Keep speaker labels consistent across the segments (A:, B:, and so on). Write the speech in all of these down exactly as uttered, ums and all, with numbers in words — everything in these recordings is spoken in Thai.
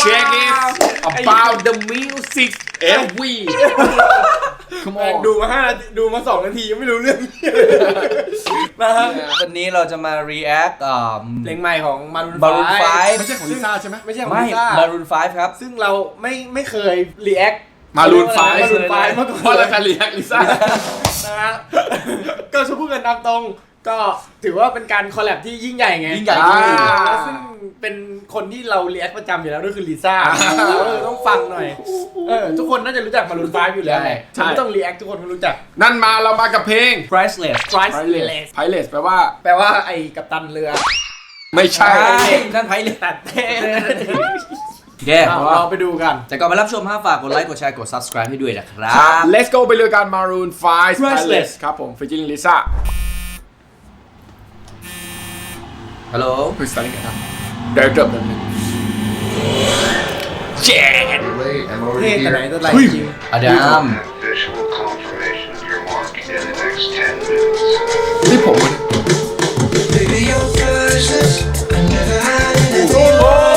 A: check it about the music every Come on
B: ดูมาห้านาทีดูมาสองนาทียังไม่รู้เรื่องนะฮะ
C: วันนี้เราจะมา react อ่า
B: เพลงใหม่ของมารูน
C: Maroon
B: ไฟ
C: five
A: ไม่ใช่ของลิซ่าใช่ไหม
B: ไม่ใช่ของ
C: ไม่
B: ลิซ่า
C: Maroon ไฟว์ครับ
B: ซึ่งเราไม่ไม่เคยรีแอค
A: มารูนไฟ
B: มารูนไฟมาก่อน
A: เพราะเราจะเรียกลิซ่า
B: นะฮะก็จะพูดกันตามตรงก็ถือว่าเป็นการคอลแลบที่ยิ่งใหญ่ไง
C: ยิ่งใหญ่
A: อ่า
B: แล้วซึ่งเป็นคนที่เรารีแอคประจำอยู่แล้วด้วยคือลิซ่าเราเลยต้องฟังหน่อยเออทุกคนน่าจะรู้จักมารูนไฟอยู่แล้วแหละ
A: ใช่
B: ไม่ต้องรีแอคทุกคนก็รู้จัก
A: นั่นมาเรามากับเพลง
C: priceless
B: Priceless
A: Priceless แปลว่า
B: แปลว่าไอ้กัปตันเรือ
A: ไม่ใช่
C: นั่นไพเลย
B: ตัดเท่
C: แย่
B: เอาเราไปดูกัน
C: แต่ก่อนไปรับชมห้าฝากกดไลค์กดแชร์กด subscribe ให้ด้วยนะครับ
A: Let's go ไปเลยกัน Maroon ไฟว์
C: Priceless
A: ครับผม featuring Lisa
C: ฮัลโหล
A: Who's starting it up Director แบบนึง Jet
D: Late, I'm
B: เท่
D: already
B: แต่ไหน
D: here.
B: แต่ไรจริง
C: อดัม
D: Have visual confirmation of your mark in the next ten minutes.
A: นี่ผมมัน
E: Baby, you're priceless. I never had anything
B: โอ้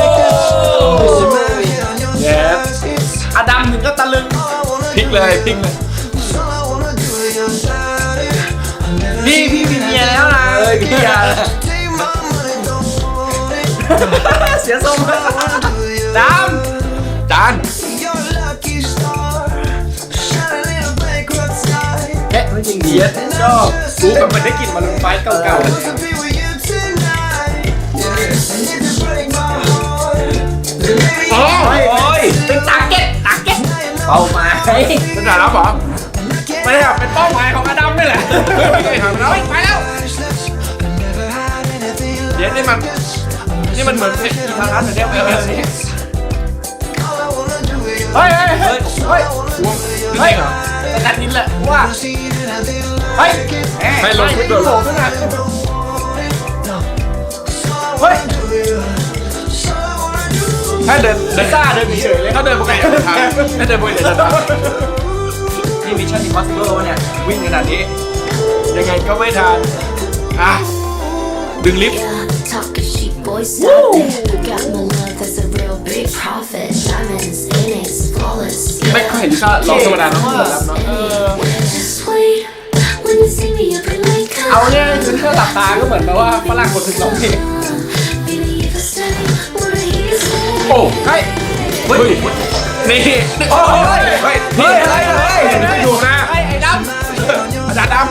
E: like this. On your
A: Yes
E: targets.
B: อดัมถึงก็ตะลึง
E: All I wanna
A: พลิก
E: do
A: เลยพลิกเลย
E: is all I wanna do is your body. I never
B: นี่พี่มีเมียแล้วนะ
C: เอ้ยพี่ยา
E: take my money, don't want it.
B: เสียทรงแล้ว
E: All I wanna do is your
B: ด
A: จาน
E: You're a lucky star. Shining in a bankrupt sky.
B: ำแค่ไม่จริงดีชอบรู้แบบมันได้กลิ่นมาลุนไฟเก่า
E: Want to be with you tonight. Yeah. And if you break my heart, then maybe
B: ๆโอ้ยเป็นตาเก็ตตาเก็ต
C: เป้าหมาย
A: เป็นฐานะเหรอ
B: ไม่ได้เป็นเป้าหมายของอดัมนี่แหละ
A: ไม่เคยทำแล้ว
B: ไปแล้ว
E: priceless. I never had anything
A: เดี๋ยว
E: like
A: นี่มัน
E: this.
A: นี่มันเหมือนเพลงอีทารัสแต่เดียวไม่เอาสิ
E: All I wanna do is your
B: เฮ้ยเฮ้ยเฮ้ยเฮ้ย
A: เฮ้ยเหรอ
B: แต่นัดนี้แหละว่า
E: see anything
B: เฮ้ย
E: like it.
A: ให้ลงทุน
B: โด
A: โด
B: ด
A: ด
B: ขึ้นมา
E: Don't want it. No. So I
B: เฮ้ย
E: wanna do it. So I wanna do it.
A: ถ้าเดินเดิน
B: ซ่าเดินเฉยเลย
A: ถ้าเดินปกติเดินทางถ้าเดินปกติเดินทาง
C: นี่ Mission Impossible วะเนี่ย วิ่งขนาดนี้
A: ยังไงก็ไม่ทันอ่ะดึงลิฟต์
F: Talking sheep boys out there. Got my love, that's a real big profit. Diamonds in it, flawless.
A: ไม่ค่อยเห็นลิซ่าร้องธรรมดาเนาะรับเนาะ
F: Just wait when you see me up in like
B: เอาเนี่ยคือถ้าหลับตาก็เหมือนแบบว่าฝรั่งคนถึงร้องเพลง
F: Baby, if I say what I hear you say.
A: โอ้เฮ้ยเฮ้ยนี่โอ้ยเฮ้ย
C: เฮ้ยอะไรเลย
A: ดูนะ
B: ไอ้ไอ้ด
A: อาจารย์ดำ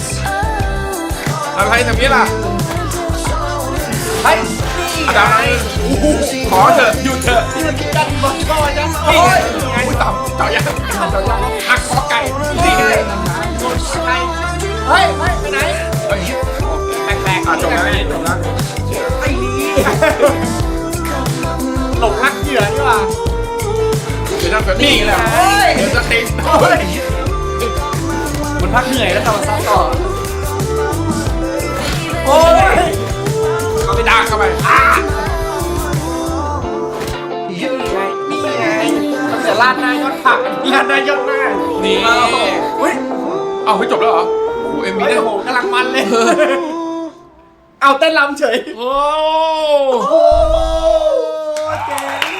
A: อะไรทำนี้ล่ะ
B: ำเฮ้ย
A: อาจารย์ขอเถอะหยุดเถอะ
B: นี่มันกันบอลบอลจัง
A: โอ้ยอุ้ยต่ำเจาะยังเจาะยังหักคอไก่นี่ไง
B: เฮ้ยเฮ้ยไปไหน
A: เฮ้ย
B: แปลกๆ
A: อ่ะจบแล้วจบแล้ว
B: ไอ้นี่หลงรักเหยื่อนี่หว่า
A: เดี๋ยวจะเป็นนี่แหละเดี๋ยวจะติดเฮ้ย
C: มันพักเหนื่อยแล้วกลับมาซัดต่อ
B: โอ้ย
A: เขาไปด่าเข้าไปอ่ะ
B: นี่ไงนี่ไงมันจะลาดหน้ายอดผักลาดหน้ายอดหน้า
A: นี่
B: เฮ้ย
A: เอาเฮ้ยจบแล้วเหรอโอ้เอ็มวี
B: โอ้
A: ได้
B: โหกำลังมันเลย เอาเต้นรำเฉย
A: โอ้
B: โอ้เจ๋ง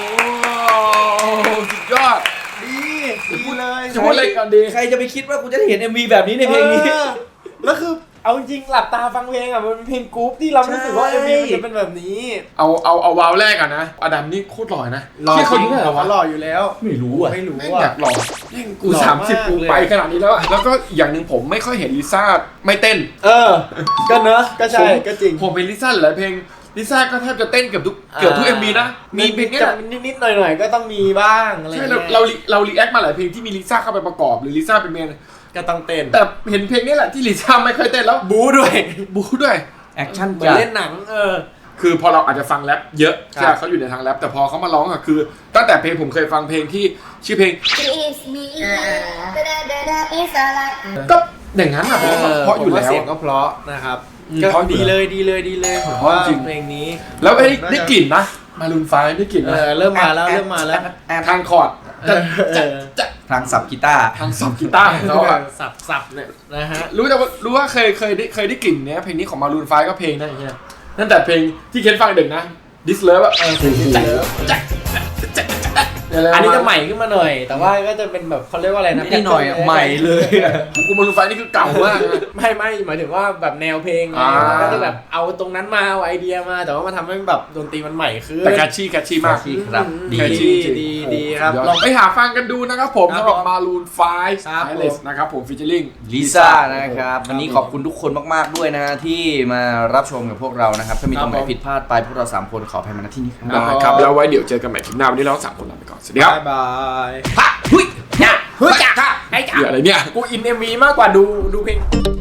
A: สุดยอด
B: ดีดีเลย
A: จะพูดอะไรก่อนดี
C: ใครจะไปคิดว่ากูจะได้เห็น เอ็ม วี แบบนี้ในเพลงนี้
B: ออแล้วคือเอาจริงหลับตาฟังเพลงอ่ะมันเป็นเพลงกรุ๊ปที่เรารู้สึกว่า
C: ใช่
B: เอ็มวีมันจะเป็นแบบนี้
A: เอาเอาเอาวาวแรกก่อนนะอดัมนี่โคตรหล่อนะที่เขาอยู่ไหนวะ
B: หล่ออยู่แล้ว
C: ไม่รู้อ่ะ
B: ไม่รู้
A: แม่ง
B: อ่ะ
A: อยากหล่อแม่งกู
B: หล่อ
A: สามสิบ
B: มาก
A: กู
B: เลย
A: ไปขนาดนี้แล้วอะแล้วก็อย่างหนึ่งผมไม่ค่อยเห็นลิซ่าไม่เต้น
B: เออ ก็เนอะก็ใช่
A: ผม
B: ก็จริง
A: ผมเป็นลิซ่าหลายเพลงลิซ่าก็แทบจะเต้นเกือบทุกเกือบทุก เอ็ม วีนะมีเพลงเนี้ย
B: นิดๆหน่อยๆก็ต้องมีบ้างอะไร
A: ใช่
B: เงี้
A: เรา
B: ย
A: เราเรารีแอคมาหลายเพลงที่มีลิซ่าเข้าไปประกอบหรือลิซ่าเป็นเมน
B: ก็ต้องเต้น
A: แต่เห็นเพลงนี้แหละที่ลิซ่าไม่ค่อยเต้นแล้ว
B: บู๊ด้วย
A: บูด้วย
C: แอคชั่น
B: เหมือน
C: จัด
B: เล่นหนังเออ
A: คือพอเราอาจจะฟังแรปเยอะ
B: ครับ
A: ใช่เขาอยู่ในทางแรปแต่พอเขามาร้องอะคือ ตั้งแต่เพลงผมเคยฟังเพลงที่ชื่อเพลง
F: It's me. Da-da-da-da, it's a lot.
A: ก็อย่างนั้นอะผมว่าเพราะอยู่
B: ผม
A: แล้ว
B: เสียงก็เพราะนะครับ
A: อืม
B: ก็
A: เพราะอยู่
B: ดีเลยดีเลยดีเลยผม
A: เพราะ
B: ว่า
A: จริง
B: เพลงนี้
A: แล้วไอ้ได้กลิ่นนะมารุนไฟได้กลิ่น
B: เอ
A: นะ
B: อเริ่มมาแล้วเริ่มมาแล้ว
A: ทางคอร์ด
B: เออเออ
C: ทางสับกีตาร์
A: ทางสับกีตาร์ของเขาอะ
B: สับสับเนี่ยนะฮะ
A: รู้แต่ว่ารู้ว่าเคยเคยได้เคยได้กลิ่นเนี้ยเพลงนี้ของมารูนไฟก็เพลงนั่นอย่างเงี้ยตั้งแต่เพลงที่เคนฟังเด็กนะ This Love อะเออเพลงที่จักจัก
B: อันนี้จะใหม่ขึ้นมาหน่อย แต่ว่าก็จะเป็นแบบเขาเรียกว่าอะไรนะ
C: ไม่ได้หน่อยอะใหม่เลยอะ
A: กูมารูนไฟนี่คือเก่ามากนะ
B: ไม่ไม่หมายถึงว่าแบบแนวเพลงไง
A: อ่า
B: ก็จะแบบเอาตรงนั้นมาเอาไอเดียมาแต่ว่ามาทำให้แบบดนตรีมันใหม่ขึ้น
A: แต่แคชชี่แคชชี่มาก
C: ที่ครับดี
A: แคชชี่
B: ดีดีดีครับ
A: ลองไปหาฟังกันดูนะครับผม
B: ครับ
A: สำหรับ
B: ผม
A: มารูนไฟ
B: ครับ
A: ไอเลสนะครับผมฟิชเชอร์ลิง
C: ลิซ่านะครับวันนี้ขอบคุณทุกคนมากๆด้วยนะฮะที่มารับชมกับพวกเรานะครับถ้ามีตรงไหนผิดพลาดไปพวกเราสามคนขออภัยมาณที่นี้ครับ
A: นะครับ แล้วไว้เดี๋ยวเจอกันใหม่คลิปหน้า วันนี้เราทั้งสามคนลาไปก่อน สวัสดีครับ
B: บายบาย
A: ฮะหุ้ย
B: จ้าเฮ้ยจ้าค่ะให้จ้า
A: เดี๋ยวอะไรเนี่ย
B: กูอินเอ็มวีมากกว่าดูดูเพลง